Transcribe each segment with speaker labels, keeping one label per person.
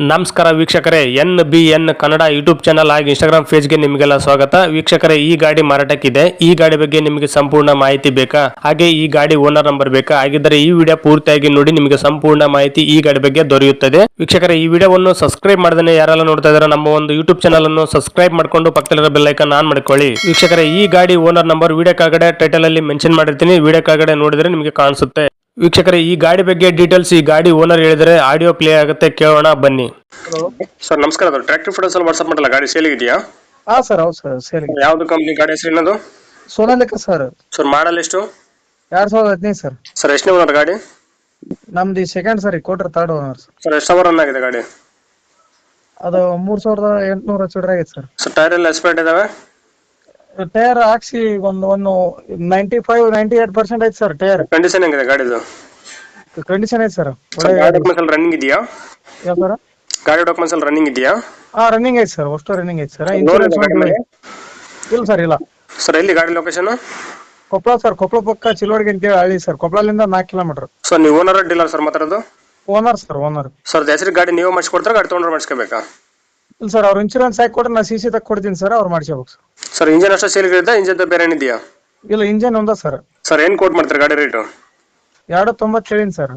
Speaker 1: ನಮಸ್ಕಾರ ವೀಕ್ಷಕರೇ, NBN Kannada YouTube channel ಹಾಗೂ ಇನ್ಸ್ಟಾಗ್ರಾಮ್ ಪೇಜ್ಗೆ ನಿಮಗೆಲ್ಲ ಸ್ವಾಗತ. ವೀಕ್ಷಕರೇ, ಈ ಗಾಡಿ ಮಾರಾಟಕ್ಕಿದೆ. ಈ ಗಾಡಿ ಬಗ್ಗೆ ನಿಮಗೆ ಸಂಪೂರ್ಣ ಮಾಹಿತಿ ಬೇಕಾ, ಹಾಗೆ ಈ ಗಾಡಿ ಓನರ್ ನಂಬರ್ ಬೇಕಾ? ಹಾಗಿದ್ದರೆ ಈ ವಿಡಿಯೋ ಪೂರ್ತಿಯಾಗಿ ನೋಡಿ, ನಿಮಗೆ ಸಂಪೂರ್ಣ ಮಾಹಿತಿ ಈ ಗಾಡಿ ಬಗ್ಗೆ ದೊರೆಯುತ್ತದೆ. ವೀಕ್ಷಕರೇ, ಈ ವಿಡಿಯೋವನ್ನು ಸಬ್ಸ್ಕ್ರೈಬ್ ಮಾಡದೇ ಯಾರೆಲ್ಲ ನೋಡ್ತಾ ಇದ್ದಾರೆ, ನಮ್ಮ ಒಂದು ಯೂಟ್ಯೂಬ್ ಚಾನಲ್ ಅನ್ನು ಸಬ್ಸ್ಕ್ರೈಬ್ ಮಾಡ್ಕೊಂಡು ಪಕ್ಕದಲ್ಲಿರೋ ಬೆಲ್ ಐಕಾನ್ ಆನ್ ಮಾಡ್ಕೊಳ್ಳಿ. ವೀಕ್ಷಕರೇ, ಈ ಗಾಡಿ ಓನರ್ ನಂಬರ್ ವಿಡಿಯೋ ಕೆಳಗಡೆ ಟೈಟಲ್ ಅಲ್ಲಿ ಮೆನ್ಷನ್ ಮಾಡಿರ್ತೀನಿ. ವಿಡಿಯೋ ಕೆಳಗಡೆ ನೋಡಿದ್ರೆ ನಿಮಗೆ ಕಾಣಿಸುತ್ತೆ. ವೀಕ್ಷಕರೇ, ಈ ಗಾಡಿ ಬಗ್ಗೆ ಡೀಟೇಲ್ಸ್ ಈ ಗಾಡಿ ಓನರ್ ಹೇಳಿದರೆ ಆಡಿಯೋ ಪ್ಲೇ ಆಗುತ್ತೆ, ಕೇಳೋಣ ಬನ್ನಿ. ಸರ್ ನಮಸ್ಕಾರ. ಅದು ಟ್ರ್ಯಾಕ್ಟರ್ ಫೋಟೋಸ್ ಅಲ್ಲಿ ವಾಟ್ಸ್ಆಪ್ ಮಾಡಲ್ಲ, ಗಾಡಿ ಸೇಲ್ ಇದೆಯಾ?
Speaker 2: ಹಾ ಸರ್, ಹೌದು ಸರ್, ಸೇಲ್ ಇದೆ.
Speaker 1: ಯಾವ್ದು ಕಂಪ್ನಿ ಗಾಡಿ ಹೆಸರು ಏನದು?
Speaker 2: ಸೋನಾಲಿಕ ಸರ್.
Speaker 1: ಸರ್ ಮಾಡಲ್ ಎಷ್ಟು?
Speaker 2: 2015 ಸರ್.
Speaker 1: ಸರ್ ಎಷ್ಟನೇ ಓನರ್ ಗಾಡಿ?
Speaker 2: ನಮ್ದು ಸೆಕೆಂಡ್ ಸರ್, ಕೋಟ್ರ ಥರ್ಡ್ ಓನರ್ ಸರ್.
Speaker 1: ಸರ್ ಎಷ್ಟು ಅವರ್ ರನ್ ಆಗಿದೆ ಗಾಡಿ?
Speaker 2: ಅದು 3800 ಚಿಲ್ಲರೆ ಆಗೈತೆ ಸರ್.
Speaker 1: ಸರ್ ಟೈರ್ ಎಲ್ಲ ಎಕ್ಸ್ಪೈರ್ಡ್ ಇದಾವೆ?
Speaker 2: ಟೈರ್ ಹಾಕ್ಸಿ ಒಂದು 95-98% ಐತೆ ಸರ್. ಟೈರ್
Speaker 1: ಕಂಡೀಷನ್ ಹೆಂಗಿದೆ ಗಾಡಿದು?
Speaker 2: ಕಂಡೀಷನ್ ಐತೆ ಸರ್.
Speaker 1: ಗಾಡಿ ಡಾಕ್ಯುಮೆಂಟ್ಸ್ ಎಲ್ಲ ರನ್ನಿಂಗ್ ಇದೆಯಾ?
Speaker 2: ಯಾವ ಸರ್?
Speaker 1: ಗಾಡಿ ಡಾಕ್ಯುಮೆಂಟ್ಸ್ ಎಲ್ಲ ರನ್ನಿಂಗ್ ಇದೆಯಾ?
Speaker 2: ರನ್ನಿಂಗ್ ಐತೆ ಸರ್, ಅಷ್ಟು ರನ್ನಿಂಗ್ ಐತೆ ಸರ್. ಇನ್ಶೂರೆನ್ಸ್ ಇಲ್ಲ ಸರ್, ಇಲ್ಲ
Speaker 1: ಸರ್. ಎಲ್ಲಿ ಗಾಡಿ ಲೊಕೇಶನ್?
Speaker 2: ಕೊಪ್ಪಳ ಸರ್. ಕೊಪ್ಪಳ ಪಕ್ಕ ಚಿಲೋಡಿಗೆ ಅಂತೇಳಿ ಹಳ್ಳಿ ಸರ್. ಕೊಪ್ಪಳದಿಂದ 4 ಕಿಲೋಮೀಟರ್.
Speaker 1: ಸರ್ ನೀವು ಓನರ್ ಡೀಲರ್ ಸರ್ ಮಾತಾಡೋದು?
Speaker 2: Owner sir, owner.
Speaker 1: ಸರ್ ಹೆಸರು ಗಾಡಿ ನೀವು ಮಾಡಿಸ್ಕೊಡ್ತಾರೆ, ಗಾಡಿ ತೊಗೊಂಡ್ರೆ ಮಾಡಿಸ್ಕೋಬೇಕಾ?
Speaker 2: ಇಲ್ಲ ಸರ್, ಅವ್ರು ಇನ್ಶೂರೆನ್ಸ್ ಹಾಕಿ ಕೊಟ್ರೆ ನಾ CC ತಗ ಕೊಡ್ತೀನಿ ಸರ್, ಅವ್ರು ಮಾಡಿಸ್ಕೋಬೇಕು ಸರ್.
Speaker 1: ಸರ್ ಇಂಜನ್ ಅಷ್ಟೇ ಸೇಲ್ ಇದೆ, ಇಂಜನ್ ಬೇರೆ ಏನಿದೆಯಾ?
Speaker 2: ಇಲ್ಲ, ಇಂಜನ್ ಒಂದ ಸರ್.
Speaker 1: ಸರ್ ಏನ್ ಕೋಟ್ ಮಾಡ್ತಾರೆ ಗಾಡಿ ರೇಟು?
Speaker 2: 290 ಹೇಳಿನಿ ಸರ್.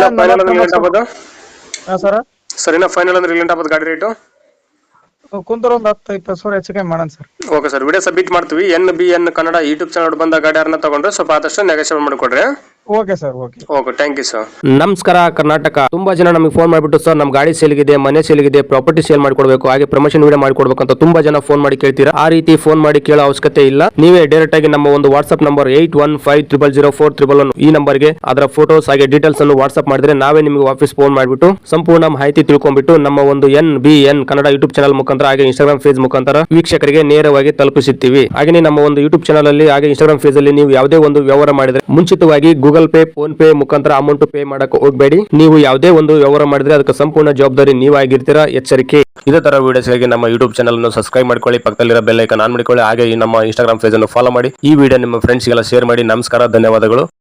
Speaker 2: ಸರ್
Speaker 1: ಸರ್ ಇನ್ನ ಫೈನಲ್ ಅಂದ್ರೆ ರಿಲೆಂಟ್ ಆಗ್ಬೋದು ಗಾಡಿ ರೇಟು?
Speaker 2: ಕುಂತರ ಒಂದು 10-20 ಸಾವಿರ ಹೆಚ್ಚು ಕಮ್ಮಿ ಮಾಡೋಣ sir.
Speaker 1: Okay sir, video submit ಮಾಡ್ತೀವಿ. NBN ಕನ್ನಡ ಯೂಟ್ಯೂಬ್ ಚಾನಲ್ ಬಂದ ಗಾಡಿ ಯಾರನ್ನ ತಗೊಂಡ್ರೆ ಸ್ವಲ್ಪ ಆದಷ್ಟು ನೆಗೋಷಿಯೇಟ್ ಮಾಡಿಕೊಡ್ರಿ.
Speaker 2: Okay sir, okay.
Speaker 1: Thank you sir. ನಮಸ್ಕಾರ ಕರ್ನಾಟಕ. ತುಂಬಾ ಜನ ನಮಗೆ ಫೋನ್ ಮಾಡಿಬಿಟ್ಟು, ಸರ್ ನಮ್ಮ ಗಾಡಿ ಸೇಲ್ಗಿದೆ, ಮನೆ ಸೇಲ್ಗಿದೆ, ಪ್ರಾಪರ್ಟಿ ಸೇಲ್ ಮಾಡ್ಕೊಡ್ಬೇಕು, ಹಾಗೆ ಪ್ರಮೋಷನ್ ವಿಡಿಯೋ ಮಾಡ್ಕೊಡ್ಬೇಕು ಅಂತ ತುಂಬಾ ಜನ ಫೋನ್ ಮಾಡಿ ಕೇಳ್ತೀರಾ. ಆ ರೀತಿ ಫೋನ್ ಮಾಡಿ ಕೇಳೋ ಅವಶ್ಯಕತೆ ಇಲ್ಲ. ನೀವೇ ಡೈರೆಕ್ಟ್ ಆಗಿ ನಮ್ಮ ಒಂದು ವಾಟ್ಸ್ಆಪ್ ನಂಬರ್ 81500411 ಈ ನಂಬರ್ಗೆ ಅದರ ಫೋಟೋಸ್ ಹಾಗೆ ಡೀಟೇಲ್ಸ್ ಅನ್ನು ವಾಟ್ಸ್ಆಪ್ ಮಾಡಿದ್ರೆ ನಾವೇ ನಿಮಗೆ ವಾಪಸ್ ಫೋನ್ ಮಾಡಿಬಿಟ್ಟು ಸಂಪೂರ್ಣ ಮಾಹಿತಿ ತಿಳ್ಕೊಂಡ್ಬಿಟ್ಟು ನಮ್ಮ ಒಂದು NBN ಕನ್ನಡ ಯೂಟ್ಯೂಬ್ ಚಾನಲ್ ಮುಖಾಂತರ ಹಾಗೆ ಇನ್ಸ್ಟಾಗ್ರಾಮ್ ಪೇಜ್ ಮುಖಾಂತರ ವೀಕ್ಷಕರಿಗೆ ನೇರವಾಗಿ ತಲುಪಿಸುತ್ತೀವಿ. ಹಾಗೆ ನಮ್ಮ ಒಂದು ಯೂಟ್ಯೂಬ್ ಚಾನಲ್ ಅಲ್ಲಿ ಹಾಗೆ ಇನ್ಸ್ಟಾಗ್ರಾಮ್ ಪೇಜ್ ಅಲ್ಲಿ ನೀವು ಯಾವುದೇ ಒಂದು ವ್ಯವಹಾರ ಮಾಡಿದ್ರೆ ಮುಂಚಿತವಾಗಿ ಗೂಗಲ್ ಪೇ, ಫೋನ್ ಪೇ ಮುಖಾಂತರ ಅಮೌಂಟ್ ಪೇ ಮಾಡಕ್ಕೆ ಹೋಗಬೇಡಿ. ನೀವು ಯಾವುದೇ ಒಂದು ವ್ಯವಹಾರ ಮಾಡಿದ್ರೆ ಅದಕ್ಕೆ ಸಂಪೂರ್ಣ ಜವಾಬ್ದಾರಿ ನೀವಾಗಿರ್ತೀರಾ, ಎಚ್ಚರಿಕೆ. ಇದೇ ತರ ವಿಡಿಯೋಸ್ಗಾಗಿ ನಮ್ಮ ಯೂಟ್ಯೂಬ್ ಚಾನಲ್ ಅನ್ನು ಸಬ್ಸ್ಕ್ರೈಬ್ ಮಾಡ್ಕೊಳ್ಳಿ, ಪಕ್ಕದಲ್ಲಿರೋ ಬೆಲ್ ಐಕಾನ್ ಆನ್ ಮಾಡಿಕೊಳ್ಳಿ, ಹಾಗೆ ನಮ್ಮ ಇನ್ಸ್ಟಾಗ್ರಾಮ್ ಪೇಜ್ ಅನ್ನು ಫಾಲೋ ಮಾಡಿ. ಈ ವಿಡಿಯೋ ನಿಮ್ಮ ಫ್ರೆಂಡ್ಸ್ಗೆಲ್ಲ ಶೇರ್ ಮಾಡಿ. ನಮಸ್ಕಾರ, ಧನ್ಯವಾದಗಳು.